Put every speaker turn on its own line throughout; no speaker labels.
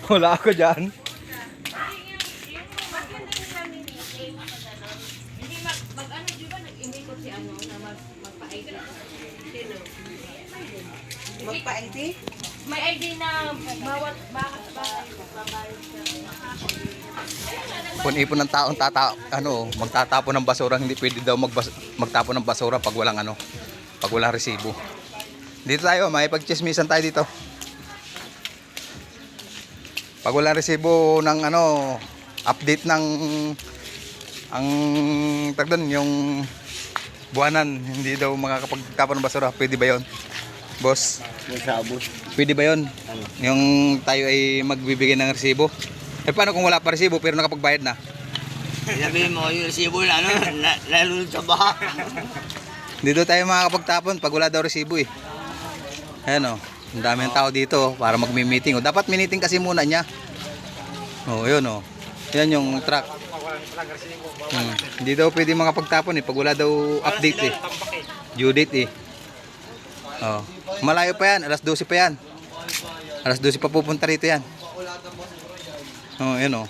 Wala ako dyan.
Hindi mag-ano, di ba? Nag-imikot si ano na magpa-ID. Sino?
Magpa-ID?
May ID na bawat bakit babayad siya.
Pun-ipon ng taong magtatapon ng basura, hindi pwede daw magtapon ng basura pag walang pag walang resibo. Dito tayo, may pagchismisan tayo dito. Pag walang resibo ng update ng yung buwanan, hindi daw makakapagtapon ng basura. Pwede ba 'yon? Boss? Pwede ba 'yon? Yung tayo ay magbibigay ng resibo. Eh paano kung wala pa resibo pero nakapagbayad na?
Sabihin mo, yung resibo na nalunod sa baha.
Dito tayo makakapagtapon pag wala daw resibo eh. Ayan ang dami ng tao dito para magmi-meeting. Dapat meeting kasi muna niya. Yun Yan yung truck. Hindi daw pwede makapagtapon eh pag wala daw update eh. Due date eh. Malayo pa yan, alas 12 pa yan. Alas 12 pa pupunta rito yan. Yun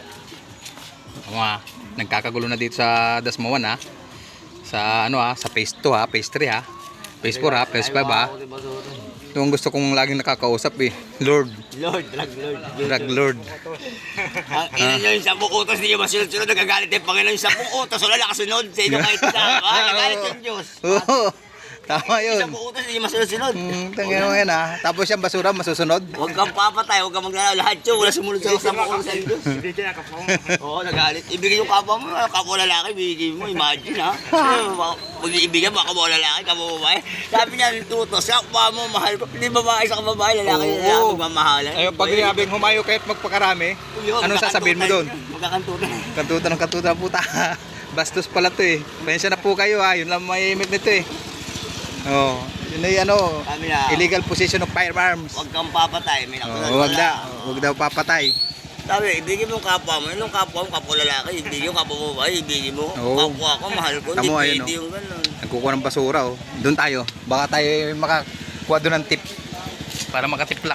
nagkakagulo na dito sa Dasmawan ha. Sa sa phase 2 ha, phase 3 ha. Phase 4 ha, phase 5 ha. Ito ang gusto kong laging nakakausap eh. Drug Lord.
Ang ina nyo yung 10 utos, hindi nyo masunod-sunod, nagagalit yung Panginoon yung 10 utos, wala nakasunod sa inyo kahit isa. Nagalit yung Diyos.
Tama yun.
10 utos, hindi nyo masunod-sunod.
Tangin mo yan ha. Tapos yung basura masusunod.
Huwag kang papatay, huwag kang maglalaw. Lahat yun, wala sumunod sa 10 utos sa Diyos. Oo, nagalit. Ibigay yung kapwa mo, kapwa lalaki, ibigay mo, imagine ha. Mag-iibigan, baka mo lalaki, kapwa babae. Sabi niya, yung tutos, kapwa mo, mahal ko. Hindi babae sa babae, lalaki, magmamahalan.
Ayun, pag hinabing humayo kahit magpakarami, anong sasabihin mo doon?
Magkakantunan.
Kantutan puta. Bastos pala to eh. Pensya na po kayo ha. Yun lang may imit nito eh. Yun ay illegal possession of firearms.
Huwag kang papatay, may nakunan.
Huwag daw papatay.
Sabi, ibigin mo yung kapwa mo. Yung kapwa mo, kapwa lalaki. Ibigin yung kapwa mo ba? Ibigin mo. Kapwa ko, mahal ko. Hindi pwede yung gano'n.
Nagkukuha ng basura Doon tayo. Baka tayo makakuha doon ng tip. Para makatiplak.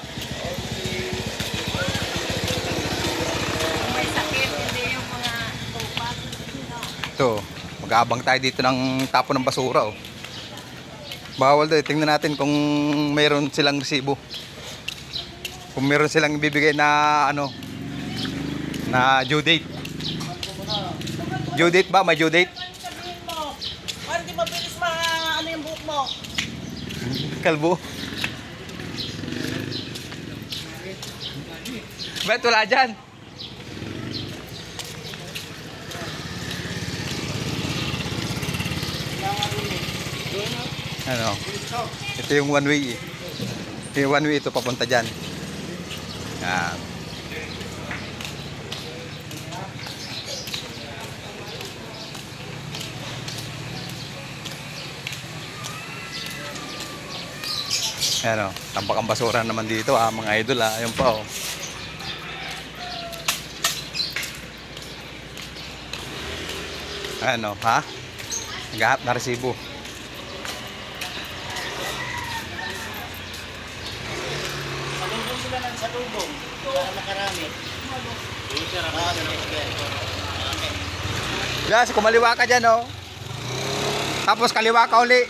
May sakit, hindi yung mga tupat.
Ito, mag-aabang tayo dito ng tapo ng basura Bawal daw. Tingnan natin kung mayroon silang resibo. Kung mayroon silang ibibigay na na due date. Due date ba? May due date?
Para di mabilis yung buhok mo.
Kalbo. Bet, wala dyan. Ito yung one way eh. Ito yung one way ito papunta dyan. Yan. Ayan tampak ang basura naman dito mga idol Ayun pa ha? Nagahap na resibo.
Salubong sila ng salubong para makarami.
Guys, kumaliwa ka dyan Tapos kaliwa ka uli.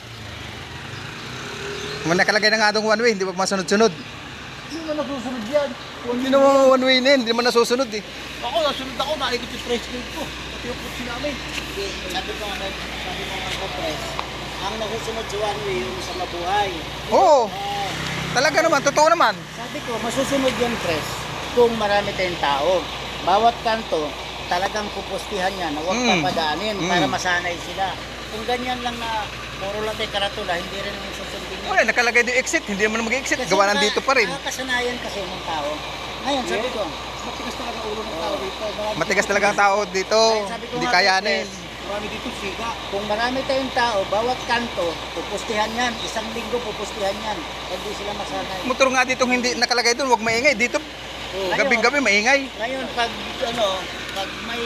Kung nakalagay na nga doon one way, hindi ba masunod-sunod?
Hindi mo nasusunod yan.
Hindi naman one way na yun, hindi naman nasusunod eh.
Ako, nasunod ako, naikot yung press clip ko. Pati yung kutsi namin.
Sabi ko nga press, ang nasusunod sa one way yung sa mabuhay.
Oo, talaga naman, totoo naman.
Sabi ko, masusunod yung press kung marami tayong tao. Bawat kanto, talagang pupustihan yan na huwag papadaanin para masanay sila. Kung ganyan lang na puro lang tayo karatula, hindi rin naman susundin yun.
Wala, nakalagay doon exit, hindi naman mag-exit. Gawa nandito pa rin.
Kasanayan kasi ng tao. Ngayon, sabi ko, matigas talaga ulo ng tao dito.
Matigas talaga ang tao dito. Hindi kayanin.
Marami dito siga.
Kung marami tayong tao, bawat kanto, pupustihan yan. Isang linggo pupustihan yan. Hindi sila masanay.
Motor nga dito hindi nakalagay doon, huwag maingay. Dito, gabing-gabi maingay.
Ngayon, pag may,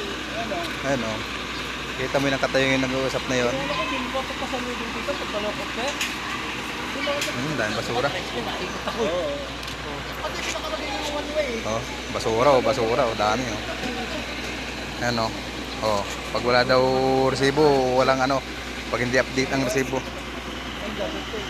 Kita mo yung nakatayo yung nag-uusap na yun.
Wala ko, din ko pa sa meeting dito, pagkalokot ka.
Dahil basura.
Ikot ako. Pati pinakalagay yung one
Oh, basura, oh, dami oh. Ayan oh. Oh, pag wala daw resibo, walang ano, pag hindi update ang resibo.